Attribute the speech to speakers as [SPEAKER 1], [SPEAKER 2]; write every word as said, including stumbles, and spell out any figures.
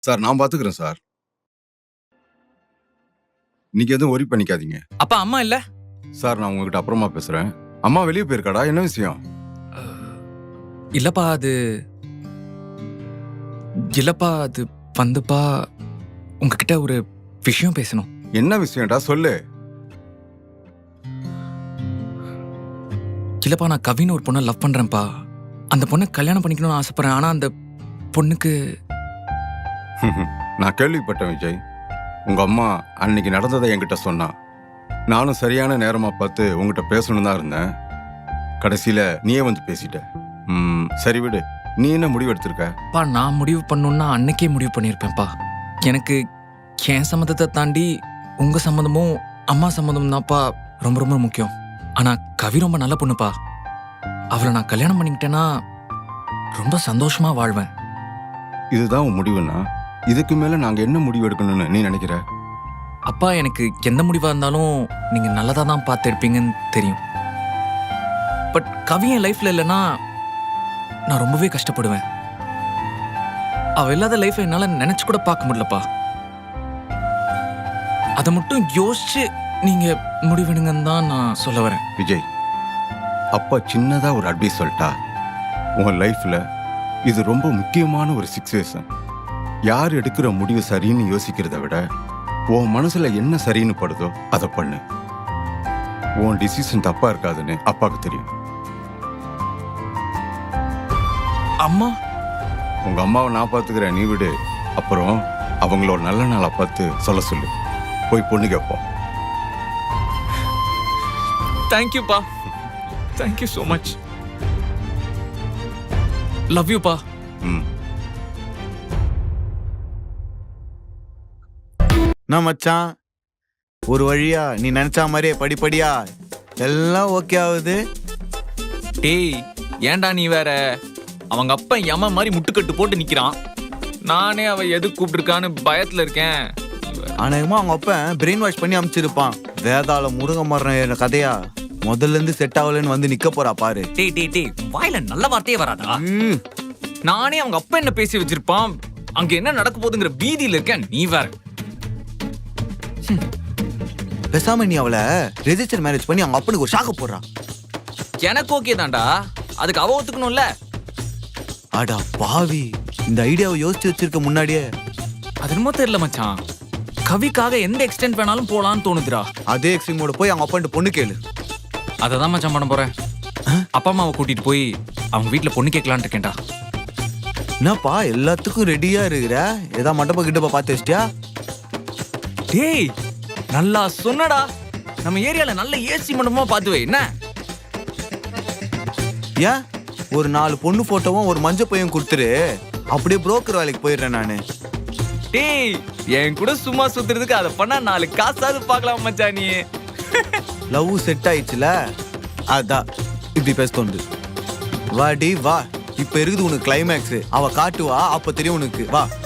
[SPEAKER 1] Sir நான் பாத்துக்கிறேன் sir. நீங்க எதுவும் ஒரி பண்ணிக்காதீங்க.
[SPEAKER 2] அப்பா அம்மா இல்ல?
[SPEAKER 1] சார் நான் உங்ககிட்ட அப்புறமா பேசுறேன். அம்மா வெளியே போயிருக்காடா, என்ன விஷயம்?
[SPEAKER 2] இல்லப்பா அது இல்லப்பா அது வந்துப்பா உங்ககிட்ட ஒரு விஷயம் பேசணும்.
[SPEAKER 1] என்ன விஷயம்டா சொல்லு.
[SPEAKER 2] இல்லப்பா நான் கவின்னு ஒரு பொண்ணை லவ் பண்றேன்ப்பா. அந்த பொண்ணை கல்யாணம் பண்ணிக்கணும்னு ஆசைப்படுறேன். ஆனா அந்த பொண்ணுக்கு
[SPEAKER 1] நான் கேள்விப்பட்டேன் விஜய். உங்க அம்மா அன்னைக்கு நடந்ததை என்கிட்ட சொன்னா. நானும் சரியான நேரமா பார்த்து உங்ககிட்ட பேசணும் தான் இருந்தேன். கடைசியில நீயே வந்து பேசிட்ட. ம் சரி விடு. நீ என்ன முடிவு எடுத்திருக்க?
[SPEAKER 2] பா நான் முடிவு பண்ணணும்னா அன்னைக்கே முடிவு பண்ணியிருப்பேன்ப்பா. எனக்கு என் சம்மந்தத்தை தாண்டி உங்க சம்மந்தமும் அம்மா சம்மந்தமும் தான்ப்பா ரொம்ப ரொம்ப முக்கியம். ஆனா கவி ரொம்ப நல்ல பொண்ணுப்பா. அவளை நான் கல்யாணம் பண்ணிக்கிட்டேன்னா ரொம்ப சந்தோஷமா வாழ்வேன்.
[SPEAKER 1] இதுதான் உன் முடிவுன்னா இதுக்கு மேல நாங்க என்ன முடிவு எடுக்கணும்னு நீ நினைக்கிற?
[SPEAKER 2] அப்பா எனக்கு எந்த முடிவா இருந்தாலும் நீங்க நல்லதா தான் பார்த்து எடுப்பீங்கன்னு தெரியும். பட் கவி என் லைஃப்ல இல்லைன்னா நான் ரொம்பவே கஷ்டப்படுவேன். அவ இல்லாத லைஃப் என்னால நினைச்சு கூட பார்க்க முடியலப்பா. அதை மட்டும் யோசிச்சு நீங்க முடிவெடுங்கன்னு தான் நான் சொல்ல வரேன்.
[SPEAKER 1] விஜய், அப்பா சின்னதா ஒரு அட்வைஸ் சொல்லிட்டா. உன் லைஃப்ல இது ரொம்ப முக்கியமான ஒரு சிச்சுவேஷன். யார் எடுக்கிற முடிவு சரின்னு யோசிக்கிறத விட உன் மனசுல என்ன சரின்னு படுதோ அதை பண்ணு. உன் டிசிஷன் தப்பா இருக்காதுன்னு அப்பாவுக்கு தெரியும்.
[SPEAKER 2] அம்மா
[SPEAKER 1] உங்க அம்மாவை நான் பாத்துக்கிறேன், நீ விடு. அப்புறம் அவங்களோட நல்ல நாளை பார்த்து சொல்ல சொல்லு. போய் பொண்ணு கேட்போம்.
[SPEAKER 2] தேங்க்யூப்பா. Thank you so much. லவ் யூப்பா.
[SPEAKER 1] ம்
[SPEAKER 3] நான் மச்சான் ஒரு வழியா நீ நினைச்ச மாதிரியே படிப்படியா எல்லாம் ஓகே ஆகுது.
[SPEAKER 2] டேய் ஏன்டா நீ வேற? அவங்க அப்பா யம மாதிரி முட்டுக்கட்டு போட்டு நிக்கிறான். நானே அவ எது கூப்பிட்டுருக்கான்னு பயத்துல இருக்கேன்.
[SPEAKER 3] அநேகமா அவங்க அப்பன் பிரெயின் வாஷ் பண்ணி அமிச்சிருப்பான். வேதாள முருங்க மரண கதையா முதல்ல இருந்து செட் ஆகலன்னு வந்து நிக்க போறா பாரு.
[SPEAKER 2] டேய் டேய் டேய் வாயில நல்ல வார்த்தையே வராதா?
[SPEAKER 3] ம்,
[SPEAKER 2] நானே அவங்க அப்பா என்ன பேசி வச்சிருப்பான். அங்க என்ன நடக்க போகுதுங்கிற பீதியில இருக்கேன். நீ வேற.
[SPEAKER 3] பேசாம நீ அவளை ரெஜிஸ்டர் மேரேஜ் பண்ணி அவங்க அப்பனுக்கு ஒரு ஷாக்க போடுறா.
[SPEAKER 2] எனக்கு ஓகே தான்டா. அதுக்கு அவ ஒத்துக்கணும்ல.
[SPEAKER 3] அடா பாவி, இந்த ஐடியாவை யோசிச்சு வச்சிருக்க முன்னாடியே.
[SPEAKER 2] அது என்னமோ தெரியல மச்சான். கவிக்காக எந்த எக்ஸ்டென்ட் வேணாலும் போலான்னு தோணுதுடா.
[SPEAKER 3] அதே எக்ஸ்ட்ரீமோட போய் அவங்க அப்பன்ட்டு பொண்ணு கேளு.
[SPEAKER 2] அதை தான் மச்சான் பண்ண போறேன். அப்பா அம்மாவை கூட்டிட்டு போய் அவங்க வீட்டுல பொண்ணு கேட்கலான்னு இருக்கேன்டா.
[SPEAKER 3] என்னப்பா எல்லாத்துக்கும் ரெடியா இருக்கிற? ஏதா மண்டபம் கிட்டப்பா பார்த்து வச்சிட்டியா?
[SPEAKER 2] டேய் நல்லா சொன்னடா. நம்ம ஏரியால நல்ல ஏசி மண்டபமா பார்த்து வை. என்ன
[SPEAKER 3] ஏன் ஒரு நாலு பொண்ணு போட்டோவும் ஒரு மஞ்சள் பையன் கொடுத்துரு. அப்படியே புரோக்கர் வேலைக்கு போயிடுறேன் நானு.
[SPEAKER 2] டேய் என் கூட சும்மா சுத்துறதுக்கு அதை பண்ணா நாலு காசாவது பார்க்கலாம் மச்சான் நீ.
[SPEAKER 3] லவ் செட் ஆயிடுச்சுல, அதான் இப்படி பேச தோணுது. வாடி வா, இப்ப இருக்குது உனக்கு கிளைமேக்ஸ். அவ காட்டுவா, அப்ப தெரியும் உனக்கு. வா.